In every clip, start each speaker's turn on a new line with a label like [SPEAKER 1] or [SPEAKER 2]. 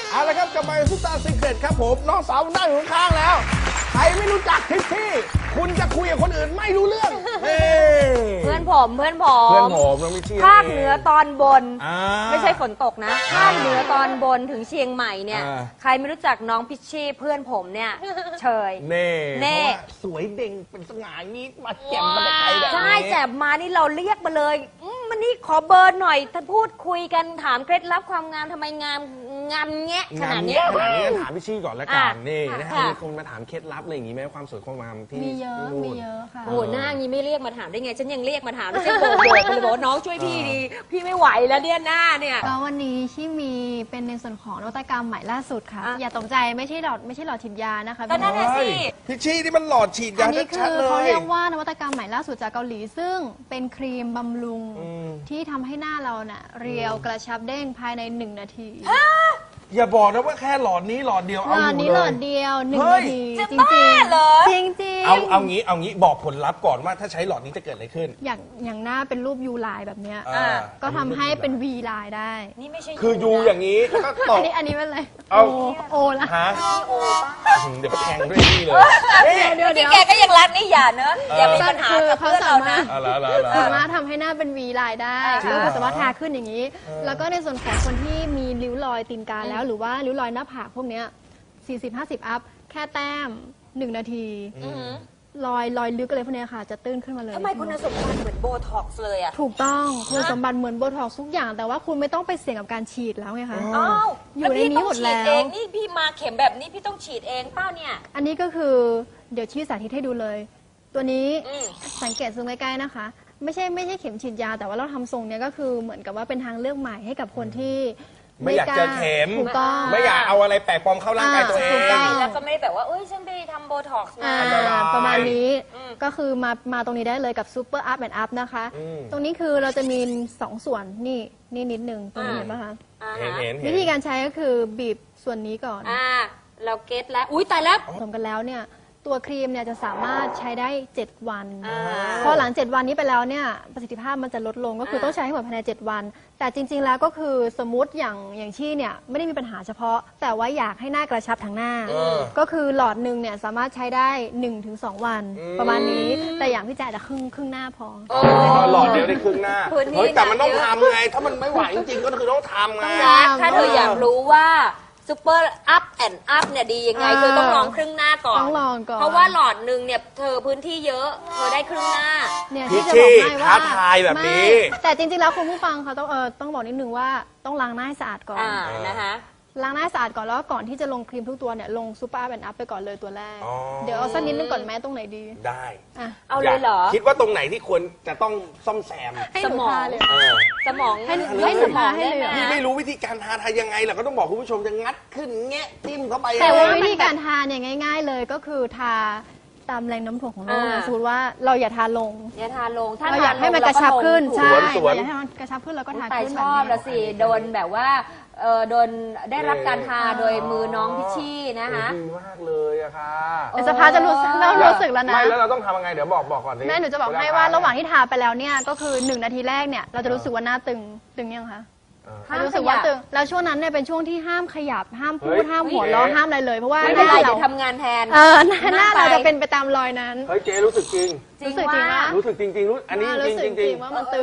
[SPEAKER 1] เอาละครับกลับมาซุปตาซีเครตครับผมน้องสาวนั่งอยู่ข้างๆแล้วใครไม่รู้จักทิชชี่คุณจะคุยกับคนอื่นไม่รู้เรื่อง
[SPEAKER 2] เพื่อนผม
[SPEAKER 1] น้องพิชชี่
[SPEAKER 2] ภาคเหนือตอนบน ไม่ใช่ฝนตกนะภาคเหนือตอนบนถึงเชียงใหม่เนี่ยใครไม่รู้จักน้องพิชชี่เพื่อนผมเนี่ยเชย
[SPEAKER 1] เน่สวยเด่งเป็นสง่านี้มาแจ่มมาไกลแบบนี้
[SPEAKER 2] ใช่แจ่มมานี่เราเรียกมาเลยมันนี่ขอเบอร์หน่อยถ้าพูดคุยกันถามเคล็ดลับความงามทำไมงามแงะขนาดนี้
[SPEAKER 1] ถามพิชชี่ก่อนละกันนี่นะครับมีคนมาถามเคล็ดลับอะไรอย่างงี้ไหมความสวยความงามที่
[SPEAKER 3] มีเยอะค่ะ
[SPEAKER 2] โอ้หน้างี้ไม่เรียกมาถามได้ไงฉันยังเรียกมาถามแล้วฉันโบกไปเลยบอกน้องช่วยพี่ดีพี่ไม่ไหวแล้วเนี่ยหน้าเนี่ย
[SPEAKER 3] ก็วันนี้ที่มีเป็นในส่วนของนวัตกรรมใหม่ล่าสุดค่ะอย่าตกใจไม่ใช่หลอดฉีดยานะคะ
[SPEAKER 2] ก็นั่นแหละสิ
[SPEAKER 1] พิชชี่ที่มันหลอดฉีดยา
[SPEAKER 3] อันนี้คือเขาเรียกว่านวัตกรรมใหม่ล่าสุดจากเกาหลีซึ่งเป็นครีมบำรุงที่ทำให้หน้าเราเรียวกระชับเด้งภายใน1 นาที
[SPEAKER 1] อย่าบอกนะว่าแค่หลอดนี้หลอดเดียวเอาอยู่เลย
[SPEAKER 3] หลอดเดียว1 นาทีจริง
[SPEAKER 2] เหรอ
[SPEAKER 3] จริง
[SPEAKER 1] เอางี้บอกผลลัพธ์ก่อนว่าถ้าใช้หลอดนี้จะเกิดอะไรขึ้น
[SPEAKER 3] อย่างหน้าเป็นรูปยูไลน์แบบเนี้ยก็ทำให้เป็นวีไลน์ได้
[SPEAKER 2] นี่ไม่ใช่
[SPEAKER 1] คือยูอย่างนี้แล้วก็ต่อ
[SPEAKER 3] อันนี้เป็นอะไรโอละ
[SPEAKER 1] ฮะเดี๋ยวแทงด้วยนี่เลย
[SPEAKER 2] ที่แกก็ยังรักนี่อย่าเนอะอย่ามีปัญหากับเพื่อนเรานะ
[SPEAKER 3] สามารถทำให้หน้าเป็นวีไลน์ได้ก็คือสามารถทาขึ้นอย่างนี้แล้วก็ในส่วนของคนที่มีริ้วรอยตีนกาแล้วหรือว่าริ้วรอยหน้าผากพวกเนี้ย40-50 อัพแค่แต้ม1 นาทีรอยลึกอะไรพวกนี้ค่ะจะตื้นขึ้นมาเลย
[SPEAKER 2] ทำไมคุณสมบัติเหมือนโบท็อกซ์เลยอ่ะ
[SPEAKER 3] ถูกต้องคุณสมบัติเหมือนโบท็อกซ์ทุกอย่างแต่ว่าคุณไม่ต้องไปเสี่ยงกับการฉีดแล้วไงคะ
[SPEAKER 2] อยู่ในนี้หมดแล้วนี่พี่มาเข็มแบบนี้พี่ต้องฉีดเองเปล่าเนี่ย
[SPEAKER 3] อันนี้ก็คือเดี๋ยวชี้สาธิตให้ดูเลยตัวนี้สังเกตซูมใกล้ๆนะคะไม่ใช่เข็มฉีดยาแต่ว่าเราทำทรงเนี้ยก็คือเหมือนกับว่าเป็นทางเลือกใหม่ให้กับคนที่
[SPEAKER 1] ไม่อยากเจอเข็มไม่อยากเอาอะไรแปลกปลอมเข้าร่างกายตัวเอง
[SPEAKER 2] แล้วก็ไม่ได้แบบว่าฉันไปทำโบท็อกซ์มา
[SPEAKER 3] ประมาณนี้ก็คือมาตรงนี้ได้เลยกับซูเปอร์อัพแอนด์อัพนะคะตรงนี้คือเราจะมี2 ส่วนนี่นิดนึงตรงนี้เห็นไหมคะ
[SPEAKER 1] เห็น
[SPEAKER 3] วิธีการใช้ก็คือบีบส่วนนี้ก่อน
[SPEAKER 2] เราเก็ตแล้วอุ้ยตายแล้ว
[SPEAKER 3] ผสมกันแล้วเนี่ยตัวครีมเนี่ยจะสามารถใช้ได้7 วันพอหลัง7 วันนี้ไปแล้วเนี่ยประสิทธิภาพมันจะลดลงก็คือต้องใช้ให้หมดภายใน7 วันแต่จริงๆแล้วก็คือสมมุติอย่างชี่เนี่ยไม่ได้มีปัญหาเฉพาะแต่ว่าอยากให้หน้ากระชับทั้งหน้าก็คือหลอดหนึ่งเนี่ยสามารถใช้ได้ 1-2 วันประมาณนี้แต่อย่างพี่แจ๊ดจะครึ่งหน้าพอ
[SPEAKER 1] หลอดเดียวได้ครึ่งหน้าเฮ้ยแต่มันต้องทำไงถ้ามันไม่ไหวจริงๆก็คือต้องทำไง
[SPEAKER 2] ถ้าเธออยากรู้ว่าซูเปอร์อัพแอนด์อัพเนี่ยดียังไงคือต้องลองครึ่งหน้าก่อน
[SPEAKER 3] ต้องลองก่อน
[SPEAKER 2] เพราะว่าหลอดหนึ่งเนี่ยเธอพื้นที่เยอะเธอได้ครึ่งหน้า
[SPEAKER 3] เนี่ย
[SPEAKER 1] ที่จะบอกให้ว่าท้าทายแบบนี้
[SPEAKER 3] แต่จริงๆแล้วคุณผู้ฟังเขาต้องบอกนิดนึงว่าต้องล้างหน้าให้สะอาดก่อน
[SPEAKER 2] นะคะ
[SPEAKER 3] ล้างหน้าสะอาดก่อนแล้วก่อนที่จะลงครีมทุกตัวเนี่ยลงซูเปอร์อัพแอนด์อัพไปก่อนเลยตัวแรกเดี๋ยวเอาสักนิดนึงก่อนแม้ตรงไหนดี
[SPEAKER 1] ได้
[SPEAKER 2] เอาเลยเหรอ
[SPEAKER 1] คิดว่าตรงไหนที่ควรจะต้องซ่อมแซม
[SPEAKER 3] สมอง
[SPEAKER 2] เลยสมอง
[SPEAKER 3] ให้สมองให้เลย
[SPEAKER 1] พี่ไม่รู้วิธีการทายังไงหรอกก็ต้องบอกคุณผู้ชมจะงัดขึ้นแงะจิ้มเข้าไป
[SPEAKER 3] แต่ว่าวิธีการทาเนี่ยง่ายๆเลยก็คือทาตามแรงน้ำถ่วงของโลกนะสมมติว่าเราอย่าทาลงถ้าเราอยากให้มันกระชับขึ้นใช่อยากให้มันกระชับขึ้นเราก็ทาขึ้นแบบนี้
[SPEAKER 2] ชอบละสิโดนแบบว่าโดนได้รับการทาโดยมือน้องพิชชี่นะคะ
[SPEAKER 1] ดีมากเลยอะค่ะ
[SPEAKER 3] สภาจะรู้สึกแล้วนะ
[SPEAKER 1] ไม่แล้วเราต้องทำยังไงเดี๋ยวบอกก่อน
[SPEAKER 3] แม่หนูจะบอกให้ว่าระหว่างที่ทาไปแล้วเนี่ยก็คือ1 นาทีแรกเนี่ยเราจะรู้สึกว่าหน้าตึงยังคะรู้สึกว่าตึงแล้วช่วงนั้นเนี่ยเป็นช่วงที่ห้ามขยับห้ามพูดห้ามหัวเราะห้ามอะไรเลยเพราะว่า
[SPEAKER 2] หน้าเราทำงานแทน
[SPEAKER 3] หน้าเราจะเป็นไปตามรอยนั้น
[SPEAKER 1] เฮ้ยเจ๊รู้สึกจริง
[SPEAKER 3] รู้สึกจริง
[SPEAKER 1] รู้อันนี้จริง
[SPEAKER 3] ว่ามันตึง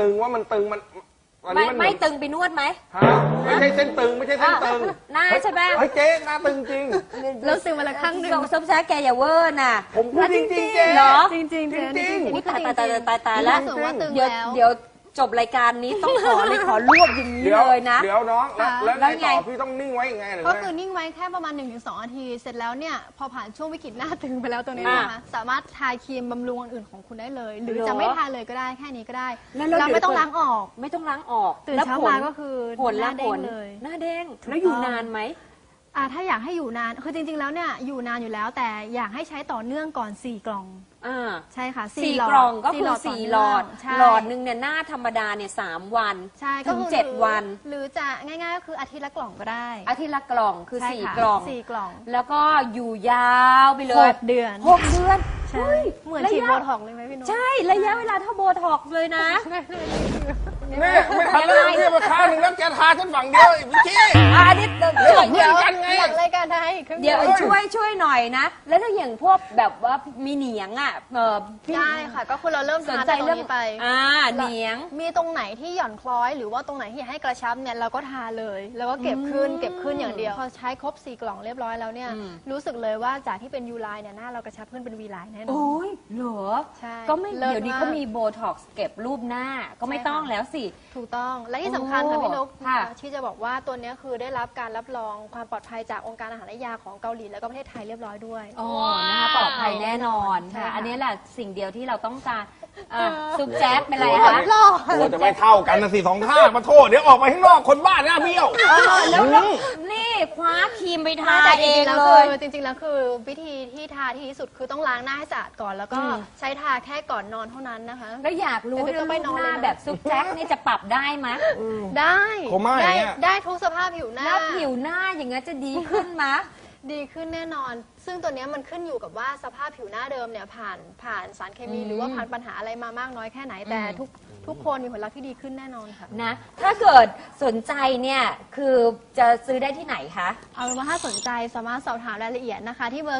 [SPEAKER 2] ไม่ตึงไปนวดไหม
[SPEAKER 1] ไม่ใช่เส้นตึงไม่ใช่เส้นตึง
[SPEAKER 2] หน้าใช่ไหม
[SPEAKER 1] เฮ้ยเจ๊หน้าตึงจริง
[SPEAKER 3] แล้วซึมมาละครั้งนึง
[SPEAKER 2] ส้มแซ่แกอย่าเวอร์น่ะ
[SPEAKER 1] ผมพูดจริงเจ๊
[SPEAKER 2] เหรอ
[SPEAKER 3] จริง
[SPEAKER 2] นี่ตายแล้ว
[SPEAKER 3] เ
[SPEAKER 2] ดี๋ยวจบรายการนี้ต้องขอรวบอย่างนี้เลยนะ
[SPEAKER 1] เดี๋ยวน้องแล้วไงต่อพี่ต้องนิ่งไว้ยังไง
[SPEAKER 3] ก็คือนิ่งไว้แค่ประมาณ 1-2 นาทีเสร็จแล้วเนี่ยพอผ่านช่วงวิกฤตหน้าตึงไปแล้วตัวนี้นะคะสามารถทาครีมบำรุงอื่นของคุณได้เลยหรือจะไม่ทาเลยก็ได้แค่นี้ก็ได้เราไม่ต้องล้างออกตื่นเช้ามาก็คือหน้าเด้งเลย
[SPEAKER 2] หน้าเด้งแล้วอยู่นานไหม
[SPEAKER 3] ถ้าอยากให้อยู่นานคือจริงๆแล้วเนี่ยอยู่นานอยู่แล้วแต่อยากให้ใช้ต่อเนื่องก่อน4 กล่องใช่ค่ะ
[SPEAKER 2] 4 กล่องก็คือ4 หลอดหนึ่งเนี่ยหน้าธรรมดาเนี่ย3 วันถึง7 วัน
[SPEAKER 3] หรือจะง่ายๆก็คืออาทิตย์ละกล่องก็ได้
[SPEAKER 2] อาทิตย์ละกล่องคือ4 กล่องแล้วก็อยู่ยาวไปเลย
[SPEAKER 3] 6 เดือนใช่เหมือนฉีดโบท็อกเลยไหมพี่นุ๊ก
[SPEAKER 2] ใช่ระยะเวลาเท่าโบท็อกเลยนะ
[SPEAKER 1] ไม่ทันแล้วเนี่ยมาข้างหนึ่งแล้วแกทาฉันฝั่งเดียวไอ้พี่ชี้
[SPEAKER 2] อันนี้ช่วย
[SPEAKER 1] เพื่อนกันไง
[SPEAKER 3] หลังรายการไทยครึ่ง
[SPEAKER 2] เดี๋ยว
[SPEAKER 3] ดีว
[SPEAKER 2] ช่วยหน่อยนะ แล้วถ้าอย่างพวกแบบว่ามีเหนียงอ่ะพี่
[SPEAKER 3] ได้ค่ะ ก็คือเราเริ่ม
[SPEAKER 2] สน
[SPEAKER 3] ทา
[SPEAKER 2] ใจ
[SPEAKER 3] จากตรง
[SPEAKER 2] เรื่อง
[SPEAKER 3] นี้ไป
[SPEAKER 2] เหนียง
[SPEAKER 3] มีตรงไหนที่หย่อนคล้อยหรือว่าตรงไหนที่อยากให้กระชับเนี่ยเราก็ทาเลย แล้วก็เก็บขึ้นอย่างเดียวพอใช้ครบ4กล่องเรียบร้อยแล้วเนี่ยรู้สึกเลยว่าจากที่เป็นยูไลน์เนี่ยหน้าเรากระชับขึ้นเป็นวีไลน์แน่นอน
[SPEAKER 2] โอ้ยเหรอ
[SPEAKER 3] ใช่
[SPEAKER 2] ก็ไม่
[SPEAKER 3] เลิศ
[SPEAKER 2] เดี๋ยวนี้
[SPEAKER 3] มาก
[SPEAKER 2] ก็มีโบท็อกซ์เก็บรูปหน้าก็ไม่
[SPEAKER 3] ใช่ค่ะ
[SPEAKER 2] ต้องแล้วสิ
[SPEAKER 3] ถูกต้องและที่สำคัญค่ะพี่นก
[SPEAKER 2] ค่ะ
[SPEAKER 3] ที่จะบอกว่าตัวเนี้ยคือได้รับการรับรองความปลอดภัยจากองค์การอาหารและยาของเกาหลีแล้วก็ประเทศไทยเรียบร้อยด้วย
[SPEAKER 2] โอ้นะคะปลอดภัยแน่นอน
[SPEAKER 3] ใช่
[SPEAKER 2] ค่ะ
[SPEAKER 3] ค่ะ
[SPEAKER 2] อันนี้แหละสิ่งเดียวที่เราต้องการซุปแจ๊ดเป็นไร
[SPEAKER 1] โอ้
[SPEAKER 2] คะ
[SPEAKER 1] ย โอ้จะไม่เท่ากันนะสิสองข้างมาโทษเดี๋ยวออกไปข้างนอกคนบ้านหน้าเบี้ยว
[SPEAKER 2] แล้วนี่คว้าครีมไปทา
[SPEAKER 3] แต่
[SPEAKER 2] เอง
[SPEAKER 3] จริงๆแล้ว
[SPEAKER 2] เล
[SPEAKER 3] คื
[SPEAKER 2] ย
[SPEAKER 3] อจริงๆแล้วคือวิธีที่ทาที่ดีที่สุดคือต้องล้างหน้าให้สะอาดก่อน แล้วก็ใช้ทาแค่ก่อนนอนเท่านั้นนะคะ
[SPEAKER 2] แล้วอยากรู้
[SPEAKER 3] เดี๋ยว
[SPEAKER 2] เรื่อง
[SPEAKER 3] ไป
[SPEAKER 2] รูป
[SPEAKER 3] นอน
[SPEAKER 2] หน้า
[SPEAKER 3] เลยนะ
[SPEAKER 2] แบบซุปแจ๊กนี่จะปรับได้ไหม
[SPEAKER 3] ได้
[SPEAKER 1] โคม่าอย่างเงี้ย
[SPEAKER 3] ได้ทุกสภาพผิวหน้า
[SPEAKER 2] แล้วผิวหน้าอย่างงี้นจะดีขึ้นไหม
[SPEAKER 3] ดีขึ้นแน่นอน ซึ่งตัวเนี้ยมันขึ้นอยู่กับว่าสภาพผิวหน้าเดิมเนี่ยผ่านสารเคมีหรือว่าผ่านปัญหาอะไรมามากน้อยแค่ไหนแต่ทุกคนมีผลลัพธ์ที่ดีขึ้นแน่นอนค่ะ
[SPEAKER 2] นะถ้าเกิดสนใจเนี่ยคือจะซื้อได้ที่ไหนคะ
[SPEAKER 3] เอาเป็นว่าถ้าสนใจสามารถสอบถามรายละเอียดนะคะ ที่เบอร์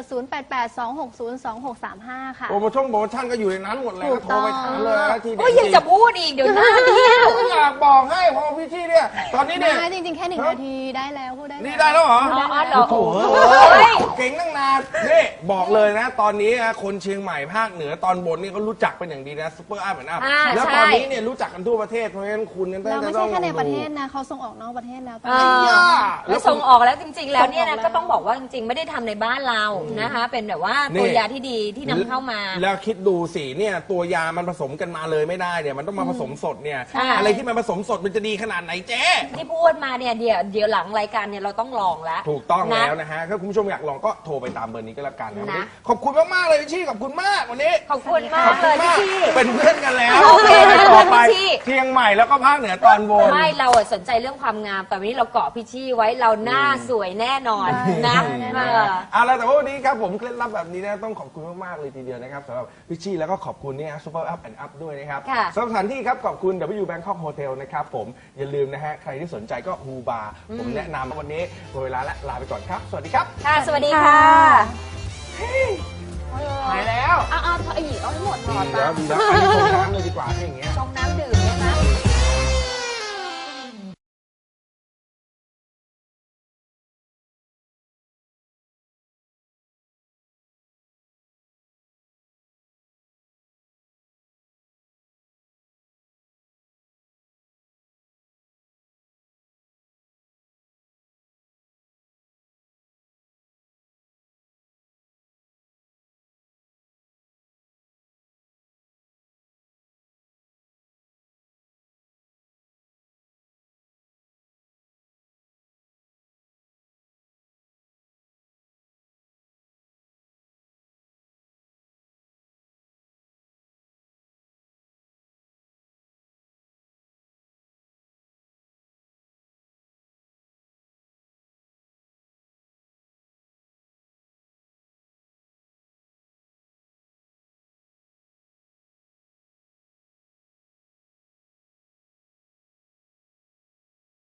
[SPEAKER 3] 0882602635 ค่ะ
[SPEAKER 1] โปรโมชั่นก็อยู่ในนั้นหมดเลย
[SPEAKER 3] ถู
[SPEAKER 1] ก็
[SPEAKER 3] ก
[SPEAKER 1] โทรไปถามเลยนะทีเด็ด
[SPEAKER 2] โอ้ยยังจะพูดอีกเดี๋ยวหน้าเบี้ยว
[SPEAKER 1] ผมอยากบอกให้พอพี่ชี้เนี่ยตอนนี้เนี่ย
[SPEAKER 3] ได้จริงๆ แค่1 นาทีได้แล้วพูดได้
[SPEAKER 1] นี่ได้แล้วเหรอ
[SPEAKER 2] อ๋อเหรอ
[SPEAKER 1] โอ้โห
[SPEAKER 2] โอ้ย
[SPEAKER 1] เก่งตั้งนานนี่บอกเลยนะ ตอนนี้นะคนเชียงใหม่ภาคเหนือตอนบนนี่เขารู้จักเป็นอย่างดีนะซุปเปอร์อัพเหมือนอัพ
[SPEAKER 2] อ่า
[SPEAKER 1] แล้ว
[SPEAKER 2] ใช่
[SPEAKER 1] ตอนนี้เนี่ยรู้จักกันทั่วประเทศเพราะฉะนั้นคุณเนี่ย
[SPEAKER 3] เราไม่
[SPEAKER 1] ต้
[SPEAKER 3] ใช่
[SPEAKER 1] อง
[SPEAKER 3] แค่ใน
[SPEAKER 1] ลอง
[SPEAKER 3] ประ
[SPEAKER 1] ดู
[SPEAKER 3] เทศนะเขาส่งออกนอกประเทศแล้วตอน
[SPEAKER 2] เอ
[SPEAKER 3] นี้
[SPEAKER 2] อแล้วส่งออกแล้วจริง ๆ แล้วเนี่ย
[SPEAKER 3] ส่งอ
[SPEAKER 2] นะ
[SPEAKER 3] อกแล้ว
[SPEAKER 2] ก็ต้องบอกว่าจริงๆ ไม่ได้ทำในบ้านเรานะคะ เป็นแบบว่าตัวยาที่ดีที่นำเข้ามา
[SPEAKER 1] แล้วคิดดูสิเนี่ยตัวยามันผสมกันมาเลยไม่ได้เนี่ยมันต้องมาผสมสดเนี่ย
[SPEAKER 2] ใช่
[SPEAKER 1] อะไรที่มันผสมสดมันจะดีขนาดไหนเจ๊
[SPEAKER 2] ที่พูดมาเนี่ยเดี๋ยวหลังรายการเนี่ยเราต้องลองแล้ว
[SPEAKER 1] ถูกต้อง
[SPEAKER 2] นะ
[SPEAKER 1] แล้วนะฮะถ้าคุณผู้ชมอยากลองก็โทรไปตามเบอร์นี้ก็แล้วกันนะวันนี้
[SPEAKER 2] นะ
[SPEAKER 1] ขอบคุณมากๆเลยพี่ชี่ขอบคุณมากวันนี้
[SPEAKER 2] ขอบคุณมา
[SPEAKER 1] ข
[SPEAKER 2] ก
[SPEAKER 1] อบ
[SPEAKER 2] เล
[SPEAKER 1] คุณ
[SPEAKER 2] ยพี่
[SPEAKER 1] มาก
[SPEAKER 2] ชี่
[SPEAKER 1] เป็นเพื่อนกันแล้ว
[SPEAKER 2] โอเค
[SPEAKER 1] ต่อไป
[SPEAKER 2] พี่ชี่
[SPEAKER 1] เชียงใหม่แล้วก็ภาคเหนือตอนบน
[SPEAKER 2] ไม่เราอะสนใจเรื่องความงาม แต่วันนี้เราเกาะพี่ชี่ไว้เราหน้าสวยแน่นอนนะ
[SPEAKER 3] ได้
[SPEAKER 2] เออ
[SPEAKER 1] เอาละแต่ว่าวันนี้ครับผมเคล็ดลับแบบนี้นะต้องขอบคุณมากๆเลยทีเดียวนะครับสำหรับพี่ชี่แล้วก็ขอบคุณเนี่ยซูเปอร์อัพแอนด์อัพด้วยนะครับ
[SPEAKER 2] ค่ะ
[SPEAKER 1] สำหรับสถานที่ครับขอบคุณ W Bangkok Hotel นะครับผมอย่าลืมนะฮะใครที่สนใจก็ฮูบาร์ผมแนะนำวันนี้หมดเวลาและลาไปก่อนครับ สวัสดีครับ
[SPEAKER 2] ค่ะ สวัสดีค่ะ
[SPEAKER 1] หายแล้ว
[SPEAKER 2] เอาไอ้หญิงเอาให้หมดถอด
[SPEAKER 1] ดี
[SPEAKER 2] มา
[SPEAKER 1] แล้วดีแล้วอันนี้ชงน้ำเลยดีกว่าให้อย่างเงี้ย
[SPEAKER 2] ชงน้ำดื่ม